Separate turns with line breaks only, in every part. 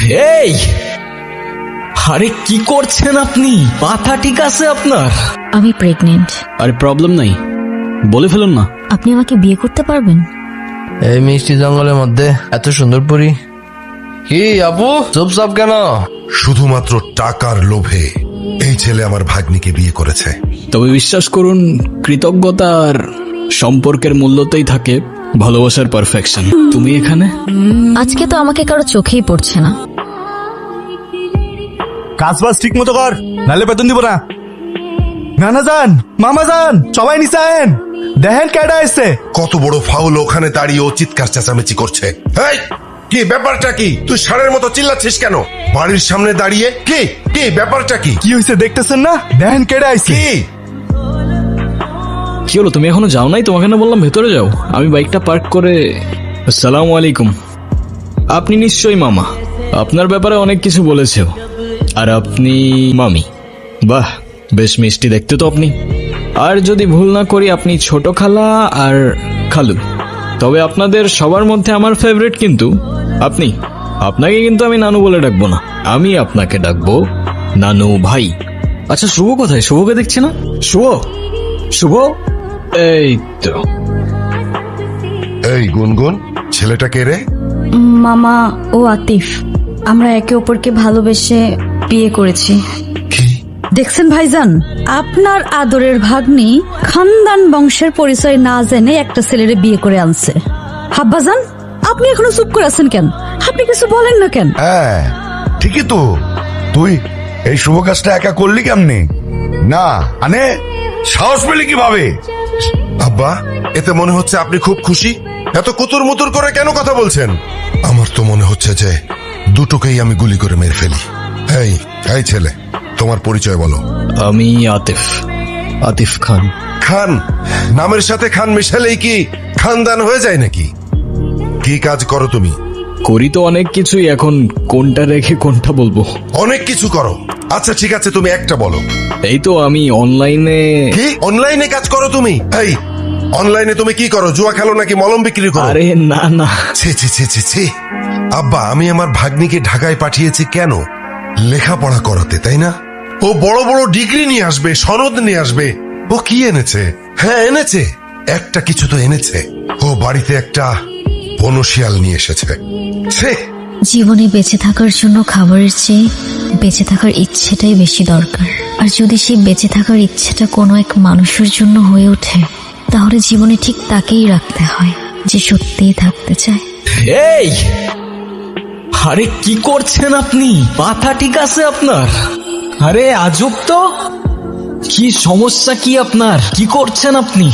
এই, আরে কি করছেন আপনি? মাথা ঠিক আছে আপনার?
আমি প্রেগনেন্ট।
আরে প্রবলেম নাই, বলে ফেলুন না।
আপনি আমাকে বিয়ে করতে পারবেন?
এই মিষ্টি জঙ্গলের মধ্যে এত সুন্দর পরি, কি আপু চুপচাপ কেন?
শুধুমাত্র টাকার লোভে এই ছেলে আমার ভাগ্নিকে বিয়ে করেছে।
তবে বিশ্বাস করুন, কৃতজ্ঞতা আর সম্পর্কের মূল্যতেই থাকে ভালোবাসার পারফেকশন। তুমি এখানে?
আজকে তো আমাকে কারো চোখেই পড়ছে না।
কাজ বাজ ঠিক মতো কর, নাহলে বেতন দিব না। নানা যান, মামা যান, সবাই নিচে আয়েন, দেখেন কেডা এসছে।
কত বড় ফাউল, ওখানে দাঁড়িয়ে ও চিৎকার চেঁচামেচি করছে। এই, কি ব্যাপারটা কি? তুই ষাঁড়ের মতো চিল্লাচ্ছিস কেন বাড়ির সামনে দাঁড়িয়ে? কি কি ব্যাপারটা কি?
কি হয়েছে দেখতেছেন না? দেখেন কেডা আইছে।
কি
কি হলো, তুমি এখনো যাও নাই? তোমাকে না বললাম ভেতরে যাও। আমি বাইকটা পার্ক করে। আসসালামু আলাইকুম। আপনি নিশ্চয়ই মামা, আপনার ব্যাপারে অনেক কিছু বলেছেও। আর আপনি মামি? বাহ, বেশ মিষ্টি দেখতে তো আপনি। আর যদি ভুল না করি আপনি ছোট খালা আর খালু। তবে আপনাদের সবার মধ্যে আমার ফেভারিট কিন্তু আপনি। আপনাকে কিন্তু আমি নানু বলে ডাকবো না, আমি আপনাকে ডাকবো নানু ভাই। আচ্ছা, শুভ কোথায়? শুভকে দেখছি না। শুভ, শুভ, এই তো।
এই গুনগুন, ছেলেটা কে রে?
মামা ও আতিফ, আমরা একে অপরকে ভালোবেসে বিয়ে করেছি।
কি?
দেখছেন ভাইজান, আপনার আদরের ভাগ্নি খানদান বংশের পরিচয় না জেনে একটা ছেলেরে বিয়ে করে আনছে। হাব্বাজান, আপনি এখনো চুপ করে আছেন কেন? আপনি কিছু বলেন না কেন?
হ্যাঁ ঠিকই তো, তুই এই শুভ কাজটা একা করলি কেমনে? না মানে সাহস পেলি কিভাবে?
আব্বা, এতে মনে হচ্ছে আপনি খুব খুশি। এত কুতুর মুতুর করে কেন কথা বলছেন? আমার তো মনে হচ্ছে যে দুটোকেই আমি গুলি করে মেরে ফেলি। এই এই ছেলে, তোমার পরিচয় বলো।
আমি আতিফ, আতিফ খান।
খান? নামের সাথে খান মিশালেই কি খানদান হয়ে যায় নাকি? কি কাজ করো তুমি?
করি তো অনেক কিছুই, এখন কোনটা রেখে কোনটা বলবো?
অনেক কিছু করো। আচ্ছা ঠিক আছে, তুমি একটা বলো।
এই তো আমি অনলাইনে।
কি অনলাইনে কাজ করো তুমি? এই অনলাইনে তুমি কি করো? জুয়া খেলো নাকি মলম বিক্রি করো?
আরে না না।
ছি ছি ছি ছি ছি। আব্বা, আমি আমার ভাগ্নিকে ঢাকায় পাঠিয়েছি কেন? লেখাপড়া করাতে, তাই না? ও বড় বড় ডিগ্রি নিয়ে আসবে, সনদ নিয়ে আসবে। ও কি এনেছে? হ্যাঁ এনেছে, একটা কিছু তো এনেছে। ও বাড়িতে একটা বনশিয়াল নিয়ে এসেছে। ছে।
জীবনে বেঁচে থাকার জন্য খাবারের চেয়ে বেঁচে থাকার ইচ্ছেটাই বেশি দরকার। আর যদি সেই বেঁচে থাকার ইচ্ছেটা কোনো এক মানুষের জন্য হয়ে ওঠে, তাহলে জীবনে ঠিক তাকেই রাখতে হয় যে সত্যিই থাকতে চায়।
এই, আরে কি করছেন আপনি? মাথা ঠিক আছে আপনার? আরে আজব তো। কি সমস্যা কি আপনার? কি করছেন আপনি?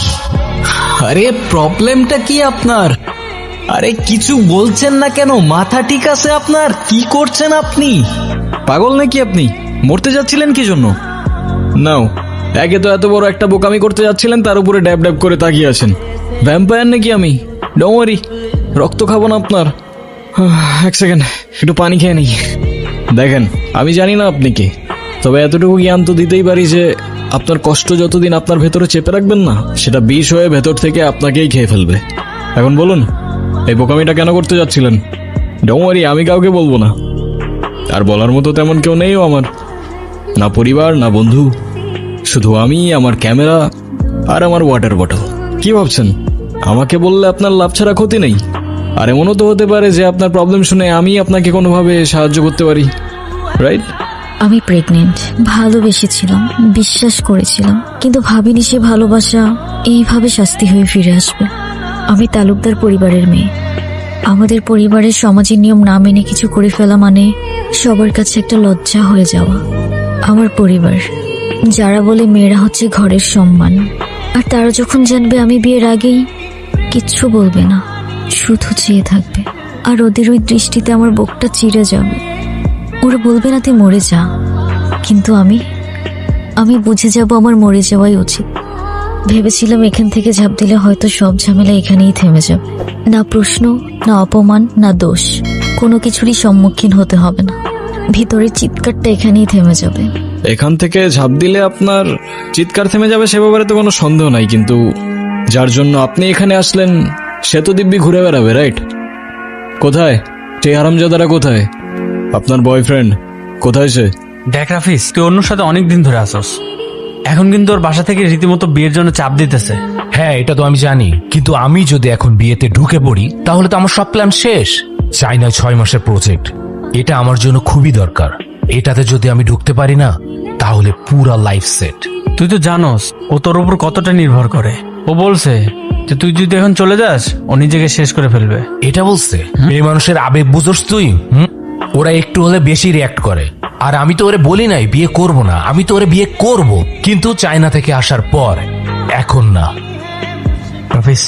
আরে প্রবলেমটা কি আপনার? আরে কিছু বলছেন না কেন? মাথা ঠিক আছে আপনার? কি করছেন আপনি? পাগল নাকি আপনি? মরতে যাচ্ছিলেন কি জন্য? নাও, একে তো এত বড় একটা বোকামি করতে যাচ্ছিলেন, তার উপরে ড্যাব ড্যাব করে তাকিয়ে আছেন। ভ্যাম্পায়ার নাকি আমি? ডোন্ট ওয়ারি, রক্ত খাবো না আপনার। এক সেকেন্ড, একটু পানি খেয়ে নেই। দেখেন, আমি জানি না আপনি কে, তবে এতটুকু জ্ঞান তো দিতেই পারি যে আপনার কষ্ট যতদিন আপনার ভেতরে চেপে রাখবেন না, সেটা বিষ হয়ে ভেতর থেকে আপনাকেই খেয়ে ফেলবে। এখন বলুন, এই বোকামিটা কেন করতে যাচ্ছিলেন? ডোন্ট ওয়ারি, আমি কাউকে বলবো না। আর বলার মতো তেমন কেউ নেইও আমার, না পরিবার না বন্ধু, শুধু আমি, আমার ক্যামেরা আর আমার ওয়াটার বটল। কি ভাবছেন আমাকে বললে আপনার লাভ ছাড়া ক্ষতি নেই? আর এমনও তো হতে পারে যে আপনার প্রবলেম শুনে আমি আপনাকে কোনোভাবে সাহায্য করতে পারি, রাইট?
আমি প্রেগনেন্ট। ভালোবেসেছিলাম, বিশ্বাস করেছিলাম, কিন্তু ভাবিনি সে ভালোবাসা এইভাবে শাস্তি হয়ে ফিরে আসবে। আমি তালুকদার পরিবারের মেয়ে। আমাদের পরিবারের সমাজের নিয়ম না মেনে কিছু করে ফেলা মানে সবার কাছে একটা লজ্জা হয়ে যাওয়া। আমার পরিবার, যারা বলে মেয়েরা হচ্ছে ঘরের সম্মান, আর তারা যখন জানবে আমি বিয়ের আগেই, কিচ্ছু বলবে না, শুধু চেয়ে থাকবে। আর ওদের ওই দৃষ্টিতে আমার বুকটা চিরে যাবে। ওরা বলবে না তুই মরে যা, কিন্তু আমি বুঝে যাব আমার মরে যাওয়াই উচিত। ভেবেছিলাম এখান থেকে ঝাঁপ দিলে হয়তো সব ঝামেলা এখানেই থেমে যাবে। না প্রশ্ন, না অপমান, না দোষ, কোনো কিছুরই সম্মুখীন হতে হবে না। ভিতরের চিৎকারটা এখানেই থেমে যাবে।
এখান থেকে ঝাঁপ দিলে আপনার চিৎকার থেমে যাবে সে ব্যাপারে তো কোনো সন্দেহ নাই, কিন্তু যার জন্য আপনি এখানে আসলেন সে তো দিব্যি ঘুরে বেড়াবে, রাইট? কোথায় সেই হারামজাদারা? কোথায়?
আপনার বয়ফ্রেন্ড কোথায় সে?
দেখ রাফিস, তুই অন্যর সাথে অনেক দিন ধরে আসস। এখন কিন্তু ওর বাসা থেকে রীতিমতো বিয়ের জন্য চাপ দিতেছে।
হ্যাঁ, এটা তো আমি জানি, কিন্তু আমি যদি এখন বিয়েতে ঢুকে পড়ি তাহলে তো আমার সব প্ল্যান শেষ। চাইনা 6 মাসের প্রজেক্ট, এটা আমার জন্য খুবই দরকার। এটাতে যদি আমি ঢুকতে পারি না তাহলে পুরা লাইফ সেট।
তুই তো জানোস ও তোর উপর কতটা নির্ভর করে। ও বলছে যে তুই যদি এখন চলে যাস ও নিজেকে শেষ করে ফেলবে।
এটা বলছে? মেয়ে মানুষের আবেগ বুঝোস তুই? ওরা একটু হলে বেশি রিয়াক্ট করে। আর আমি তো ওরে বলি নাই বিয়ে করব না, আমি তো ওরে বিয়ে করব, কিন্তু চায়না থেকে আসার পর, এখন না।
রাফিস,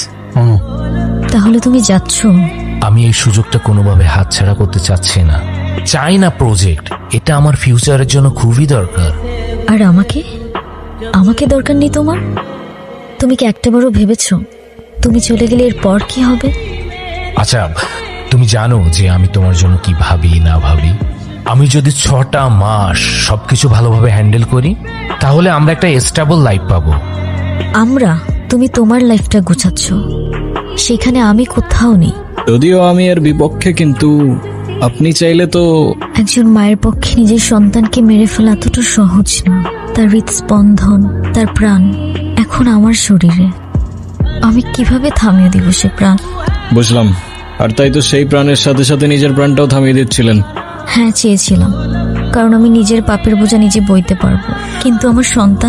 তাহলে তুমি যাচ্ছ?
আমি এই সুযোগটা কোনোভাবে হাতছাড়া করতে চাচ্ছি না। চাইনা প্রজেক্ট, এটা আমার ফিউচারের জন্য খুবই দরকার।
আর আমাকে আমাকে দরকার নেই তোমার? তুমি কি একটাবারও ভেবেছো তুমি চলে গেলে এরপর কি হবে?
আচ্ছা, তুমি জানো যে আমি তোমার জন্য কি ভাবি না ভাবি? আমি যদি 6টা মাস সবকিছু ভালোভাবে হ্যান্ডেল করি তাহলে আমরা একটা স্টেবল লাইফ পাবো।
আমরা? তুমি তোমার লাইফটা গুছাচ্ছ, সেখানে আমি কোথাও নেই।
যদিও আমি এর বিপক্ষে, কিন্তু আপনি চাইলে তো।
একজন মায়ের পক্ষে নিজের সন্তানকে মেরে ফেলা এতটা সহজ না। তার হৃদস্পন্দন, তার প্রাণ এখন আমার শরীরে। আমি কিভাবে থামিয়ে দিব সে প্রাণ?
বুঝলাম। আর তাই তো সেই প্রাণের সাথে সাথে নিজের প্রাণটাও থামিয়ে দিচ্ছিলেন।
হ্যাঁ, চেয়েছিলাম, কারণ আমি নিজের পাপের বোঝা নিজে বইতে পারবো। কিন্তু আমার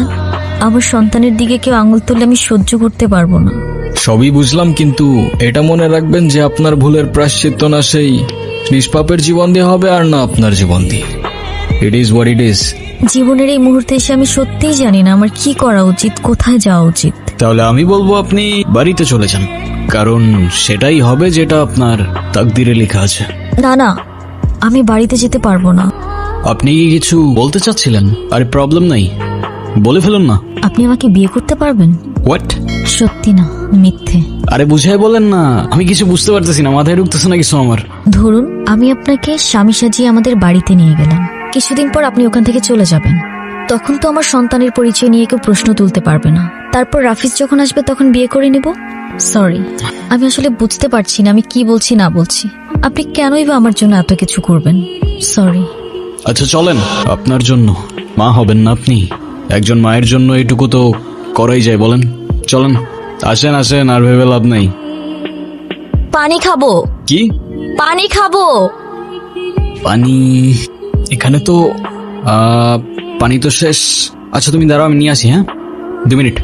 সন্তানের দিকে কেউ আঙুল তুললে আমি সহ্য করতে পারবো না।
সবই বুঝলাম, কিন্তু এটা মনে রাখবেন যে আপনার ভুলের প্রায়শ্চিত্ত না সেই নিষ্পাপের জীবন দিয়ে হবে, আর না আপনার জীবন দিয়ে। It is what it is.
জীবনের এই মুহূর্তে এসে আমি সত্যিই জানি না আমার কি করা উচিত, কোথায় যাওয়া উচিত।
তাহলে আমি বলবো আপনি বাড়িতে চলে যান, কারণ সেটাই হবে যেটা আপনার তাকদিরে লেখা আছে।
না, আমি বাড়িতে যেতে পারবো না।
আপনি কি কিছু বলতে চাচ্ছিলেন? আরে প্রবলেম নাই, বলে ফেলুন না।
আপনি আমাকে বিয়ে করতে পারবেন?
হোয়াট?
সত্যি না, মিথ্যে?
আরে বুঝাই বলেন না, আমি কিছু বুঝতে পারতেছি না, মাথায় ঢুকতেছে না কিছু আমার।
ধরুন আমি আপনাকে স্বামী সাজিয়ে আমাদের বাড়িতে নিয়ে গেলাম, কিছুদিন পর আপনি ওখান থেকে চলে যাবেন। তখন তো আমার সন্তানের পরিচয় নিয়ে কেউ প্রশ্ন তুলতে পারবে না। তারপর রাফিজ যখন আসবে তখন বিয়ে করে নিব। সরি, আমি আসলে বুঝতে পারছি না আমি কি বলছি না বলছি। আপনি কেনই বা আমার জন্য এত কিছু করবেন? সরি।
আচ্ছা চলেন, আপনার জন্য মা হবেন না আপনি, একজন মায়ের জন্য এইটুকু তো করাই যায়, বলেন? চলেন, আসেন আসেন, আর ভেবে লাভ নাই।
পানি খাবো।
কি?
পানি খাবো।
পানি? এখানে তো পানি তো শেষ। আচ্ছা তুমি দাঁড়াও, আমি নিয়ে আসি। হ্যাঁ, 2 মিনিট।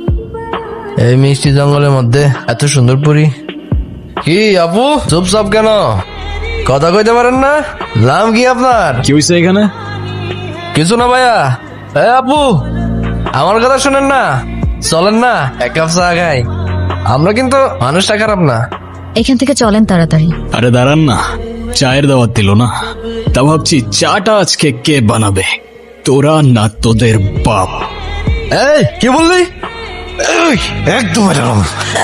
এই মিষ্টি জঙ্গলের মধ্যে এত সুন্দর পরি। কি আপু, চুপচাপ কেন? কথা কইতে পারেন না? নাম কি আপনার?
কি হয়েছে এখানে?
কিছু না ভাইয়া। এই আপু, আমার কথা শুনেন না, চলেন না এক কাপ চা খাই। আমরা কিন্তু মানুষটা খারাপ না।
এখান থেকে চলেন তাড়াতাড়ি।
আরে দাঁড়ান না, চায়ের দাওয়াত দিল না, তা ভাবছি চাটা আজকে কে বানাবে, তোরা না তোদের বাপ?
এই কি বললি?
একদম এরকম।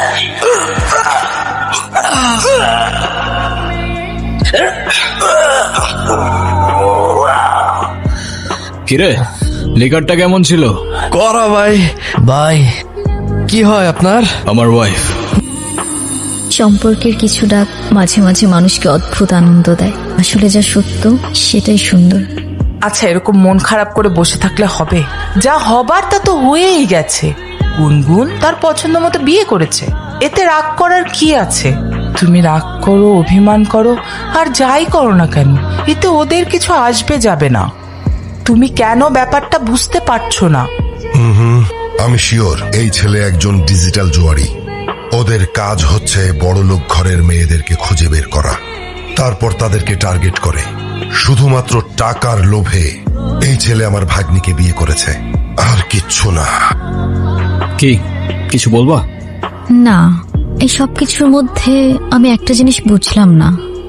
কিরে, লিকারটা কেমন ছিল?
করা ভাই। ভাই কি হয় আপনার?
আমার ওয়াইফ।
সম্পর্কের কিছু ডাক মাঝে মাঝে মানুষকে অদ্ভুত আনন্দ দেয়। আসলে যা সত্য সেটাই সুন্দর।
আচ্ছা, এরকম মন খারাপ করে বসে থাকলে হবে? যা হবার তা তো হয়েই গেছে। গুনগুন তার পছন্দ মতো বিয়ে করেছে, এতে রাগ করার কি আছে? তুমি রাগ করো, অভিমান করো, আর যাই করো না কেন, এতে ওদের কিছু আসবে যাবে না। তুমি কেন ব্যাপারটা বুঝতে পারছো না?
আমি শিওর এই ছেলে একজন ডিজিটাল জুয়ারি। ওদের কাজ হচ্ছে বড়লোক ঘরের মেয়েদেরকে খুঁজে বের করা, তারপর তাদেরকে টার্গেট করে। শুধুমাত্র টাকার লোভে এই ছেলে আমার ভাগ্নিকে বিয়ে করেছে, আর কিচ্ছু না।
কি কিছু বলবা?
না, এই সব কিছুর মধ্যে আমি একটা জিনিস বুঝলাম না।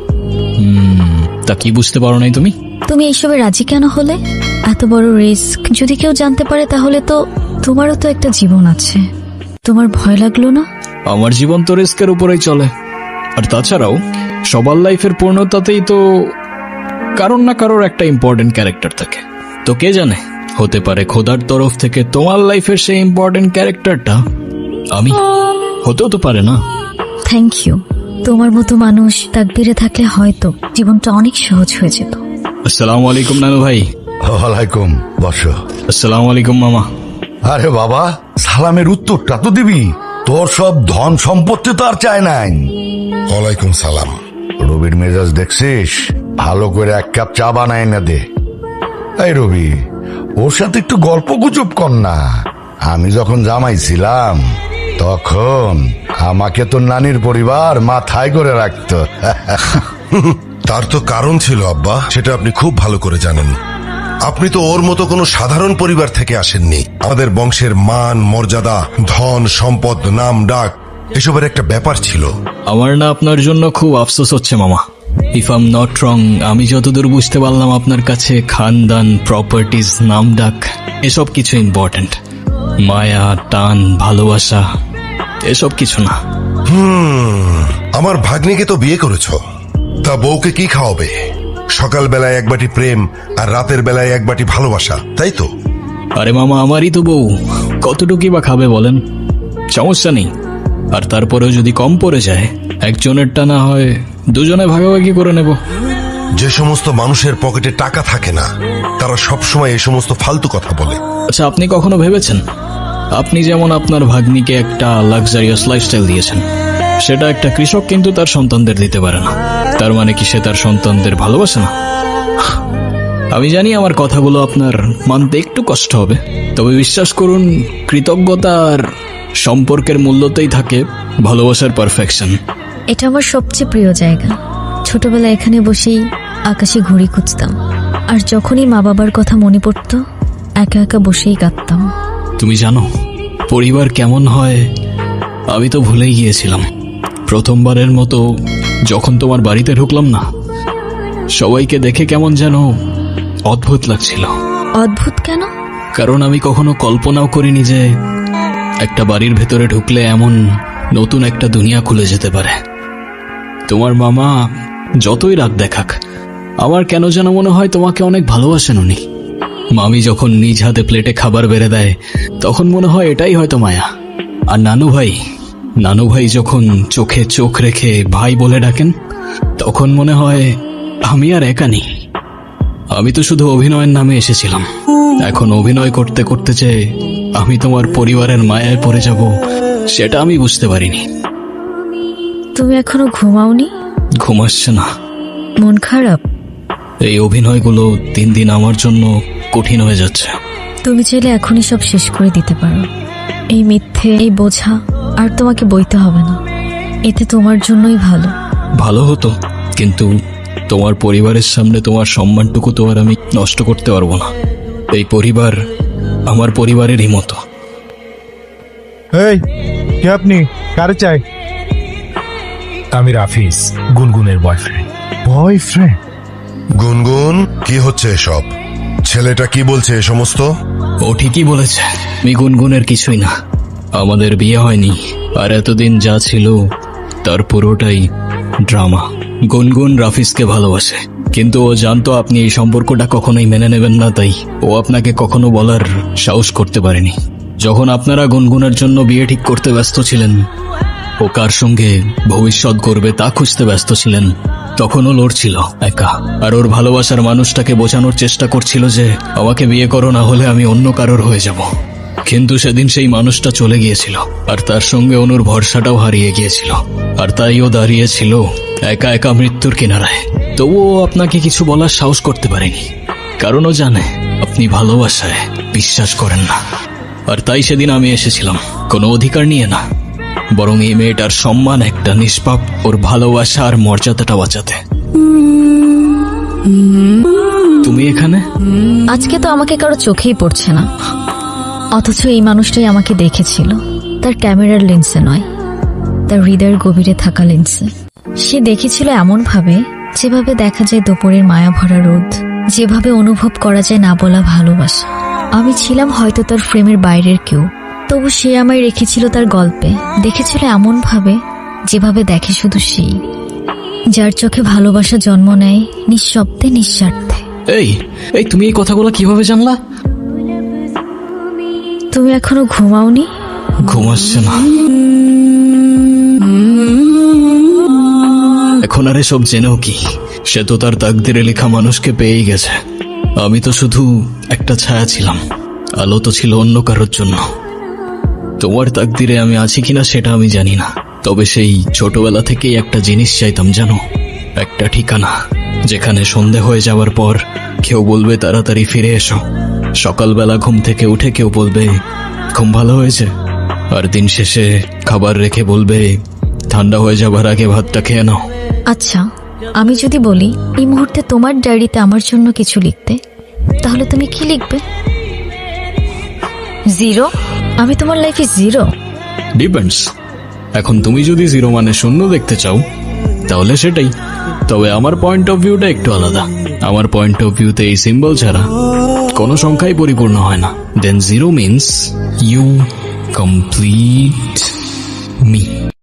তা কি বুঝতে পারো নাই তুমি?
তুমি এইসবে রাজি কেন হলে? এত বড় রিস্ক যদি কেউ জানতে পারে তাহলে তো তোমারও তো একটা জীবন আছে, তোমার ভয় লাগলো না?
আমার জীবন তো রিস্কের উপরেই চলে। আর তাছাড়াও সবার লাইফের পূর্ণতাতেই তো কারোর না কারোর একটা ইম্পর্টেন্ট ক্যারেক্টার থাকে। তো কে জানে, হতে পারে খোদার তরফ থেকে তোমার লাইফের সেই ইম্পর্টেন্ট ক্যারেক্টারটা আমি, হতেও তো পারে না?
Thank you. তোমার মতো মানুষ তাকদিরে থাকলে হয়তো জীবনটা অনেক সহজ হয়ে যেত।
আসসালামু আলাইকুম নানু ভাই।
ওয়ালাইকুম, বসো।
আসসালামু আলাইকুম মামা।
আরে বাবা, সালামের উত্তরটা তো দিবি। তোর সব ধন সম্পত্তি তো আর চায় নাই।
ওয়ালাইকুম সালাম।
রবির মেজাজ দেখছিস? ভালো করে এক কাপ চা বানায় না দে। এই রবি, ওর সাথে একটু গল্প গুজব কর না। আমি যখন জামাই ছিলাম তখন আমাকে তো নানির পরিবার মাথায় করে রাখতো।
তার তো কারণ ছিল আব্বা, সেটা আপনি খুব ভালো করে জানেন। আপনি তো ওর মতো কোনো সাধারণ পরিবার থেকে আসেননি। আমাদের বংশের মান মর্যাদা, ধন সম্পদ, নাম ডাক এসবের একটা ব্যাপার ছিল।
আমার না আপনার জন্য খুব আফসোস হচ্ছে মামা। If I am not wrong, আমি যতদূর বুঝতে পারলাম আপনার কাছে খানদান, প্রপার্টিজ, নাম ডাক এসব কিছু ইম্পর্টেন্ট। মায়া, টান, ভালোবাসা এসব কিছু না।
আমার ভাগ্নিকে তো বিয়ে করেছো, তা বউকে কি খাওয়াবে? সকাল বেলায় এক বাটি প্রেম আর রাতের বেলায় এক বাটি ভালোবাসা, তাই তো?
আরে মামা, আমারই তো বউ, কতটুকুই বা খাবে বলেন? সমস্যা নেই। আর তারপরেও যদি কম পড়ে যায়, একজনেরটা না হয় দুজনে ভাগাভাগি করে নেব।
যে সমস্ত মানুষের পকেটে টাকা থাকে না, তারা সবসময় এই সমস্ত ফালতু কথা বলে।
আচ্ছা, আপনি কখনো ভেবেছেন, আপনি যেমন আপনার ভাগ্নিকে একটা লাক্সারিয়াস লাইফস্টাইল দিয়েছেন, সেটা একটা কৃষক কিন্তু তার সন্তানদের দিতে পারে না। তার মানে কি সে তার সন্তানদের ভালোবাসে না? আমি জানি আমার কথাগুলো আপনার মানতে একটু কষ্ট হবে, তবে বিশ্বাস করুন, কৃতজ্ঞতা আর সম্পর্কের মূল্যতেই থাকে ভালোবাসার পারফেকশন।
এটা আমার সবচেয়ে প্রিয় জায়গা। ছোটবেলায় এখানে বসেই আকাশে ঘুড়ি খুঁজতাম, আর যখনই মা বাবার কথা মনে পড়তো একা একা বসেই কাঁদতাম।
তুমি জানো পরিবার কেমন হয়? আমি তো ভুলেই গিয়েছিলাম। প্রথমবারের মতো যখন তোমার বাড়িতে ঢুকলাম না, সবাইকে দেখে কেমন যেন অদ্ভুত লাগছিল।
অদ্ভুত কেন?
কারণ আমি কখনো কল্পনাও করিনি যে একটা বাড়ির ভেতরে ঢুকলে এমন নতুন একটা দুনিয়া খুলে যেতে পারে। তোমার মামা যতই রাগ দেখাক, আমার কেন যেন মনে হয় তোমাকে অনেক ভালোবাসেন উনি। মামি যখন নিজ হাতে প্লেটে খাবার বেড়ে দেয়, তখন মনে হয় এটাই হয়তো মায়া। আর নানু ভাই যখন চোখে চোখ রেখে ভাই বলে ডাকেন, তখন মনে হয় আমি আর একা নেই। আমি তো শুধু অভিনয়ের নামে এসেছিলাম, এখন অভিনয় করতে করতে যে আমি তোমার পরিবারের মায়ায় পড়ে যাব, সেটা আমি বুঝতে পারিনি।
তুমি এখনো ঘুমাওনি?
ঘুম আসছে না।
মন খারাপ?
এই অভিনয়গুলো দিন দিন আমার জন্য কঠিন হয়ে যাচ্ছে।
তুমি চাইলে এখনই সব শেষ করে দিতে পারো। এই মিথ্যে, এই বোঝা আর তোমাকে বইতে হবে না। এতে তোমার জন্যই ভালো।
ভালো হতো, কিন্তু তোমার পরিবারের সামনে তোমার সম্মানটুকু তো আর আমি নষ্ট করতে পারবো না। এই পরিবার আমার পরিবারেরই মতো।
এই কে আপনি? কারে চাই?
আমি রাফিজ, গুনগুনের বয়ফ্রেন্ড।
বয়ফ্রেন্ড?
গুনগুন, কি হচ্ছে এসব? ছেলেটা কি বলছে এ সমস্ত?
ও ঠিকই বলেছে, আমি গুনগুনের কিছুই না। আমাদের বিয়ে হয়নি, আর এতদিন যা ছিল তার পুরোটাই ড্রামা। গুনগুন রাফিজকে ভালোবাসে, কিন্তু ও জানতো আপনি এই সম্পর্কটা কখনোই মেনে নেবেন না, তাই ও আপনাকে কখনো বলার সাহস করতে পারেনি। যখন আপনারা গুনগুনের জন্য বিয়ে ঠিক করতে ব্যস্ত ছিলেন, ও কার সঙ্গে ভবিষ্যৎ গড়বে তা খুঁজতে ব্যস্ত ছিলেন, তখন ও লড়ছিল একা। আর ওর ভালোবাসার মানুষটাকে বোঝানোর চেষ্টা করছিল যে আমাকে বিয়ে করো, না হলে আমি অন্য কারোর হয়ে যাব। কিন্তু সেদিন সেই মানুষটা চলে গিয়েছিল, আর তার সঙ্গে অনুর ভরসাটাও হারিয়ে গিয়েছিল। আর তাই ও দাঁড়িয়েছিল একা একা মৃত্যুর কিনারায়। তবুও আপনাকে কিছু বলার সাহস করতে পারেনি, কারণ ও জানে আপনি ভালোবাসায় বিশ্বাস করেন না। আর তাই সেদিন আমি এসেছিলাম কোনো অধিকার নিয়ে না, বরং এই মেয়েটার সম্মান, একটা নিষ্পাপ ওর ভালোবাসা আর মর্যাদাটা বাঁচাতে। তুমি এখানে?
আজকে তো আমাকে কারো চোখেই পড়ছে না, অথচ এই মানুষটাই আমাকে দেখেছিল। তার ক্যামেরার লেন্সে নয়, তার হৃদয়ের গভীরে থাকা লেন্সে। সে দেখেছিল এমন ভাবে যেভাবে দেখা যায় দুপুরের মায়া ভরা রোদ, যেভাবে অনুভব করা যায় না বলা ভালোবাসা। আমি ছিলাম হয়তো তার ফ্রেমের বাইরের কেউ, তবু সে আমায় রেখেছিল তার গল্পে। দেখেছিল এমন ভাবে যেভাবে দেখে শুধু সেই, যার চোখে ভালোবাসা জন্ম নেয় নিঃশব্দে, নিঃস্বার্থে।
এই তুমি এই কথাগুলো কিভাবে জানলা?
তুমি এখনো ঘুমাওনি?
ঘুম আসছে না। এখন আর এসব জেনেও কি, সে তো তার তাকদিরে লেখা মানুষকে পেয়েই গেছে। আমি তো শুধু একটা ছায়া ছিলাম, আলো তো ছিল অন্য কারোর জন্য। তোমার তাকদিরে আমি আছি কিনা সেটা আমি জানি না, তবে সেই ছোটবেলা থেকেই একটা জিনিস চাইতাম জানো, একটা ঠিকানা যেখানে সন্ধে হয়ে যাওয়ার পর কেউ বলবে তাড়াতাড়ি ফিরে এসো, সকালবেলা ঘুম থেকে উঠে কেউ বলবে ঘুম ভালো হয়েছে, আর দিন শেষে খাবার রেখে বলবে ঠান্ডা হয়ে যাবার আগে ভাতটা খেয়ে নাও।
আচ্ছা, আমি যদি বলি এই মুহূর্তে তোমার ডায়েরিতে আমার জন্য কিছু লিখতে, তাহলে তুমি কি লিখবে? জিরো? আমি তোমার লাইফে জিরো?
ডিপেন্ডস। এখন তুমি যদি জিরো মানে শূন্য দেখতে চাও তাহলে সেটাই, তবে আমার পয়েন্ট অফ ভিউটা একটু আলাদা। আমার পয়েন্ট অফ ভিউতে এই সিম্বল ছাড়া কোনো সংখ্যাই পরিপূর্ণ হয় না। Then zero means you complete me.